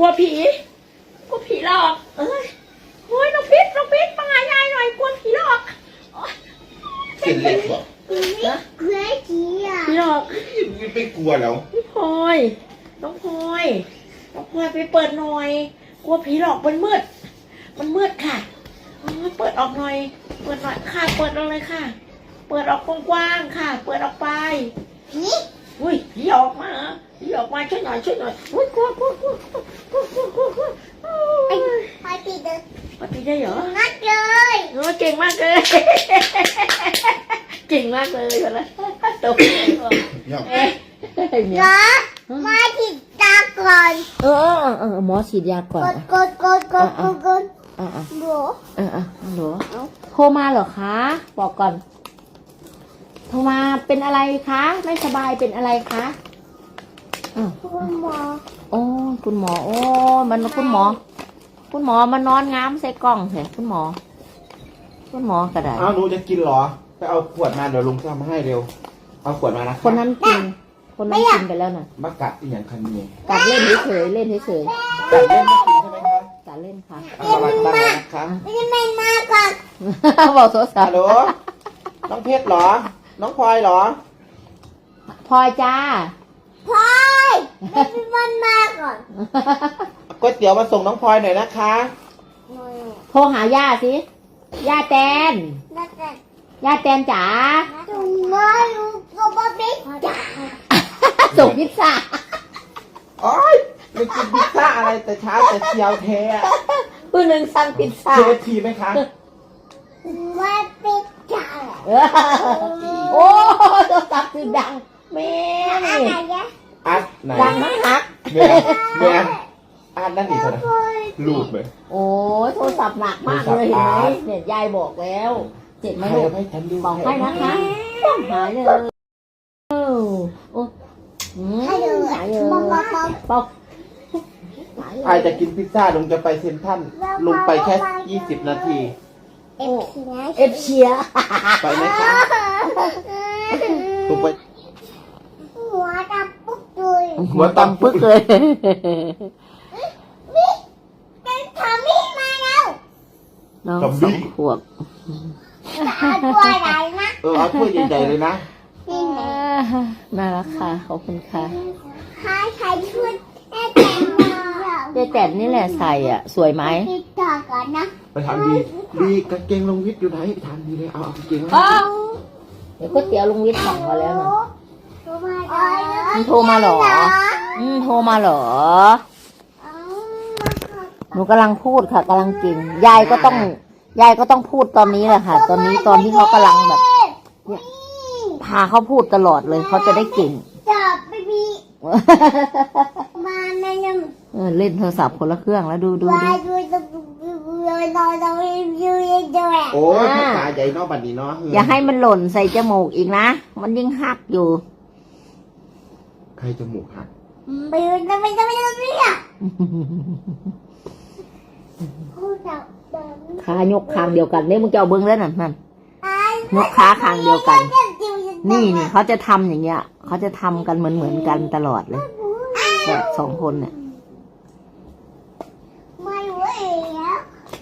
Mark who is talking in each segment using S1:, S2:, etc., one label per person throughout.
S1: ลัวผีหลอกเอ้ยโอ้ยน้องพิษมาหายายหน่อยกลัวผีหลอก
S2: เส้นเล็กบอก
S1: ผีหลอก
S2: ไม่กลัวแล้ว
S1: น้องพลอยไปเปิดหน่อยกลัวผีหลอกมันมืดค่ะเปิดออกหน่อยค่ะเปิดออกเลยค่ะเปิดออกกว้างๆค่ะเปิดออกไปอุ้ยผีออกมาช่วยหน่อยอุ้ยกลัว
S3: พอตีเดิน
S1: ปฏิได้เหรอ
S3: งัดเลย
S1: เก่งมากเลยแล้วตก
S3: เหรอมาฉีดยาก่อน
S1: หมอฉีดยาก่อน
S3: กดห
S1: รอโทรมาเหรอคะบอกก่อนโทรมาเป็นอะไรคะไม่สบายเป็นอะไรคะ
S3: คุณหมอ
S1: โอ้คุณหมอโอ้มันคุณหมอมานอนง้ามใส่กล่องเหรอคุณหมอกระดาษ
S2: หนูจะกินเหรอไปเอาขวดมาเดี๋ยวลุงทำให้เร็วเอาขวดมานะ
S1: คนนั้นกินไปแล้วน่ะ
S2: มากัดอีกอย่างคันนี้
S1: กัดเล่นเฉย
S2: กัดเล่นไม่กินใช่ไหมคะ
S1: กัดเล่นค่ะ
S2: เอามาตั้งนะคะ
S3: ไม่มาก่อน
S1: บอกโซซา
S2: ฮัลโหลน้องเพชรเหรอน้องพลอยเหรอ
S1: พลอยจ้า
S3: พลอยไม่เป็นมาก่อน
S2: ก๋วยเตี๋ยวมาส่งน้องพลอยหน่อยนะคะ
S1: โทรหาย่าสิย่าแตนจ๋าส่งพิซซ่า
S2: โอ๊ยไม่กินพิซซ่าอะไรแต่เช้าแต่เชียวแท้
S1: ผู้หนึ่งสั่งพิซซ่า
S2: KFCไหมคะ
S3: ว่าพิซซ่า
S1: โอ้ตัวตับคือดังแม่
S2: อัดไหน
S1: ดังมาก
S2: แม่อัดนั่นอีกเท่าไหร่ลูกเลย
S1: โอ้โทรศัพท์หนักมากเลยเห็นไหมเนี่ยยายบอกแล้วเจ็บไหมลูกบอกให้นะคะหายเลยหายเลย
S2: ใครจะกินพิซซ่าลุงจะไปเซ็นทรัลลุงไปแค่20 นาที
S1: เอฟเชีย
S2: ไปไหมคะลุงไป
S3: หัวตำปึ๊
S1: กเลย
S3: ทำมีมาแล้ว
S1: น้อง2 ขวบ
S3: ตัวใหญ่นะ
S2: เอาถ้วยใหญ่ๆเลยนะ
S1: น่ารักค่ะขอบคุณค่ะ
S3: ใครช่วยแม่
S1: แต่นี่แหละใส่อ่ะสวยไหม
S3: ต่อก่อนนะ
S2: ไปทำดีกางเกงลงวิทย์อยู่ไหนไปทำดีเลยเอากางเกง
S1: เดี๋ยวก๋วยเตี๋ยวลุงวิทย์สั่งมาแล้วนะ
S3: มัน
S1: โทรมาเหรอหนูกำลังพูดค่ะกำลังกินยายก็ต้องพูดตอนนี้แหละค่ะตอนที่เขากำลังแบบเนี่ยพาเขาพูดตลอดเลยเขาจะได้เก่ง
S3: จับไปบีมาแม่ยัง
S1: เล่นโทรศัพท์คนละเครื่องแล้วดู
S2: โอ้ยตาใหญ่เนาะบัดนี้เนาะ
S1: อย่าให้มันหล่นใส่จมูกอีกนะมันยิ่งหักอยู่
S2: ใครจมูกหัก
S3: ไม่อ่ะ
S1: ขายกคางเดียวกันเนี่ยมึงจะเอาเบิ้งแล้วนั่นยกขาคางเดียวกันนี่เขาจะทำอย่างเงี้ยเขาจะทำกันเหมือนกันตลอดเลยแบบ2 คนเนี่ย
S3: ไม่ไหวแล้ว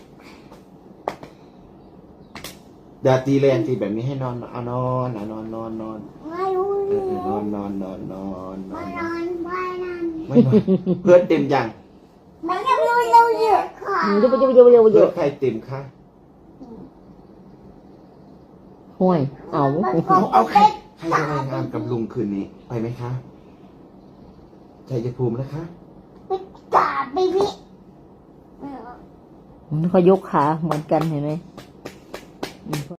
S2: เดี๋ยวตีแรงตีแบบนี้ให้นอนเอานอน
S3: ไม่ไหวนอน
S2: นอนเพื่อนเต็มยัง
S3: ไม่ยังเราเยอะค่ะ
S2: เพื่อนใครเต็มคะ
S1: ห่วย
S2: เอาใครจะไปงานกับลุงคืนนี้ไปไหมคะชัยภูมินะคะ
S3: จ่าไปพี่
S1: เขายกขาเหมือนกันเห็นไหม